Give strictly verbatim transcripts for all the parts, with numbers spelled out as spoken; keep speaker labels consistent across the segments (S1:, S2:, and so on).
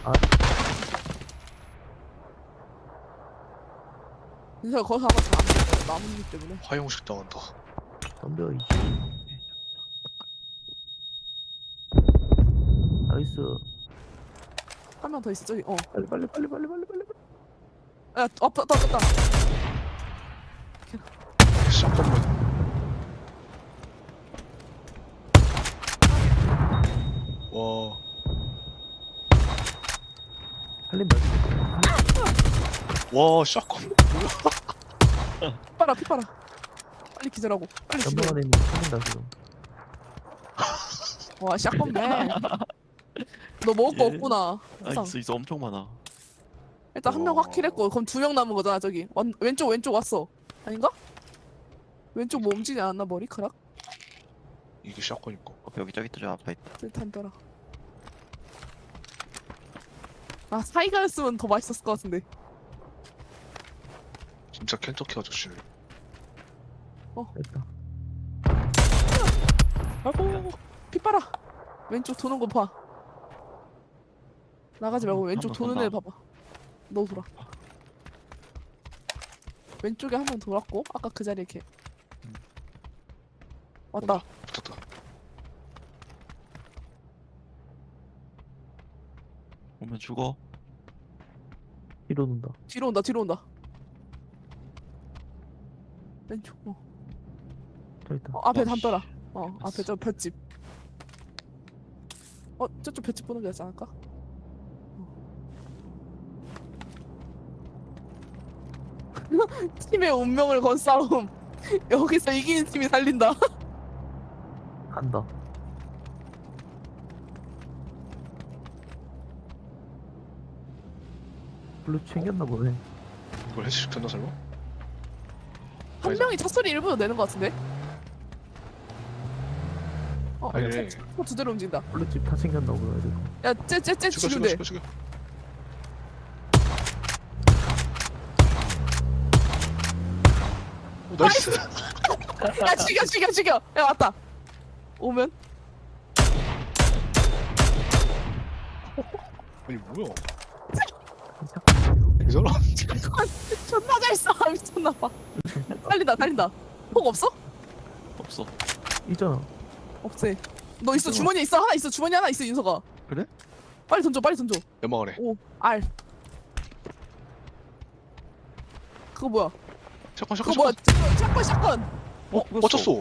S1: 아,
S2: 근데 거기서 아마 잘안 돼. 나뭇잎 때문에.
S3: 화용식 당한다.
S1: 덤벼 이씨. 나이스.
S2: 한 명 더 있어 저기. 어.
S1: 빨리 빨리 빨리 빨리 빨리 빨리.
S2: 야, 왔다 왔다 왔다.
S3: 샷건만. 와,
S1: 살린다.
S3: 와, 샷건.
S2: 피 빨아 피 빨아. 빨리 기절하고. 빨리
S1: 연방
S2: 기절.
S1: 안에 있는 거 살린다 지금.
S2: 와 샷건맨. 너 먹을 거
S4: 예.
S2: 없구나.
S4: 아
S2: 항상.
S4: 있어 있어 엄청 많아.
S2: 일단 한 명
S3: 와.
S2: 확킬했고 그럼 두 명 남은 거잖아 저기. 완, 왼쪽 왼쪽 왔어. 아닌가? 왼쪽 뭐 움직이지 않았나 머리카락?
S3: 이게 샷건이고.
S4: 어, 여기 저기 또 저 앞에 있다.
S2: 쓸탄더라. 아 사이가였으면 더 맛있었을 것 같은데.
S3: 진짜 켄터키 아저씨네.
S1: 됐다.
S2: 아이고 피 빨아. 왼쪽 도는 거 봐. 나가지 말고 왼쪽
S4: 한번
S2: 도는
S4: 돈다.
S2: 애 봐봐. 너 돌아. 왼쪽에 한 명 돌았고 아까 그 자리에 걔. 왔다.
S3: 붙었다.
S4: 오면 죽어.
S1: 뒤로 논다.
S2: 뒤로 온다 뒤로 온다. 왼쪽. 어,
S1: 저 있다.
S2: 어 앞에
S4: 어,
S2: 담벼라.
S4: 씨.
S2: 어 앞에 저 볏집. 어 저쪽 볏집 보는 게 낫지 않을까? 팀의 운명을 건 싸움. 여기서 이기는 팀이 살린다.
S1: 간다. 블루 챙겼나 보네.
S3: 이걸 해치시켰나 설마?
S2: 한
S3: 아니다.
S2: 명이 첫 소리 일부러 내는 것 같은데? 어,
S3: 아니,
S2: 차, 차, 차 두 대로 움직인다.
S1: 블루칩 다 챙겼나 보네. 이거.
S2: 야, 쟤, 쟤, 쟤
S3: 죽여,
S2: 지금
S3: 죽여,
S2: 돼.
S3: 죽여, 죽여. 오, 나이스.
S2: 야, 죽여, 죽여, 죽여. 야, 왔다. 오면?
S3: 아니 뭐야?
S1: 잠깐.
S3: 이 사람?
S2: 존나 잘 쏴. 미쳤나봐. 달린다, 달린다. 폭 없어?
S4: 없어.
S1: 있잖아.
S2: 없지. 너 있어, 주머니에 있어. 하나 있어, 주머니 하나 있어, 윤서가.
S4: 그래?
S2: 빨리 던져, 빨리 던져.
S3: 연막 안에.
S2: 오, R. 그거 뭐야?
S3: 샷건,
S2: 그거
S3: 샷건,
S2: 뭐야?
S3: 샷건.
S2: 샷건, 샷건.
S3: 어, 맞췄어.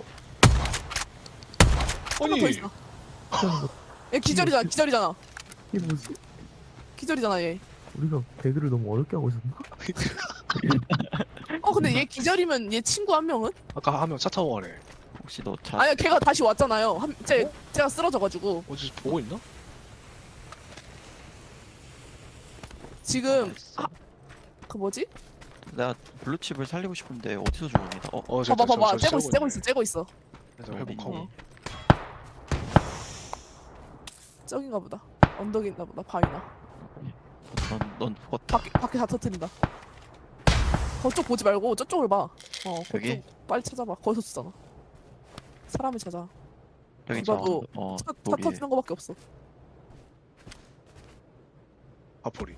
S2: 하나 더
S3: 아니,
S2: 있어. 얘 기절이잖아, 기절이잖아.
S1: 이게 뭐지?
S2: 기절이잖아, 얘.
S1: 우리가 배그를 너무 어렵게 하고 있었나?
S2: 어, 근데 얘 기절이면 얘 친구 한 명은?
S3: 아까 하면 차 타고 가네.
S4: 혹시 너 차?
S2: 아니야, 걔가 다시 왔잖아요. 한, 쟤, 쟤가 쓰러져가지고.
S3: 어디 보고 있나?
S2: 지금, 아, 그 뭐지?
S4: 내가 블루칩을 살리고 싶은데 어디서 죽었니? 어, 어
S3: 어, 저,
S2: 봐봐,
S3: 저,
S2: 봐봐.
S3: 저, 저
S2: 째고 있어, 째고 있어, 째고 있어.
S3: 그래서 회복하고.
S2: 어. 저긴가 보다. 언덕인가 보다, 바위나.
S4: 넌, 넌 죽었다.
S2: 밖에, 밖에 다 터트린다. 저쪽 보지 말고 저쪽을 봐. 어,
S4: 여기?
S2: 그쪽 빨리 찾아봐. 거기서 쓰잖아. 사람을 찾아.
S4: 여기 저
S2: 누가도
S4: 어
S2: 차, 차
S4: 거기.
S2: 터지는 거밖에 없어.
S3: 아포리.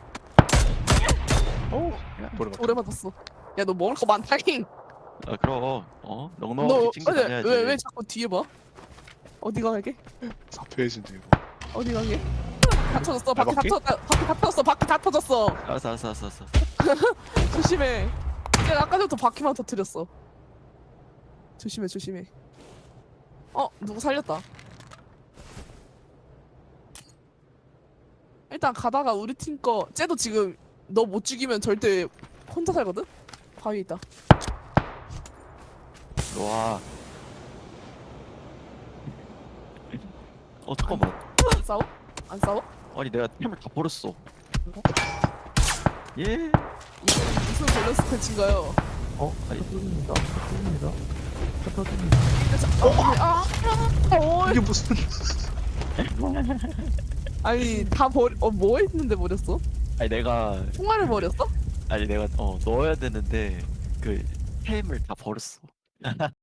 S2: 오,
S3: 보리 맞다.
S2: 오래 맞았어. 야, 너 먹을 거 많다잉.
S4: 아 그럼 어
S2: 너,
S4: 넉넉하게 찡긋
S2: 아니,
S4: 다녀야지.
S2: 왜, 왜 자꾸 뒤에 봐? 어디 가게?
S3: 사 페이지인데 이거.
S2: 어디 가게? 다 터졌어. 바퀴 다
S3: 바퀴?
S2: 터졌다. 바퀴 다 터졌어. 바퀴 다 터졌어.
S4: 알았어 알았어 알았어 알았어.
S2: 조심해. 내가 아까 전부터 바퀴만 터뜨렸어. 조심해, 조심해. 어, 누구 살렸다. 일단 가다가 우리 팀 거, 쟤도 지금 너 못 죽이면 절대 혼자 살거든? 바위 있다.
S4: 와. 어 잠깐만.
S2: 안 싸워? 안 싸워?
S4: 아니 내가 템을 다 버렸어. 예.
S2: 이거 무슨 밸런스 패치인가요?
S1: 어?
S4: 아니.
S1: 차 터집니다. 차 터집니다. 차 터집니다.
S2: 어, 아, 아,
S3: 이게 무슨?
S2: 아니 다 버리, 어, 뭐 했는데 버렸어?
S4: 아니 내가
S2: 총알을 버렸어?
S4: 아니 내가 어 넣어야 되는데 그 템을 다 버렸어.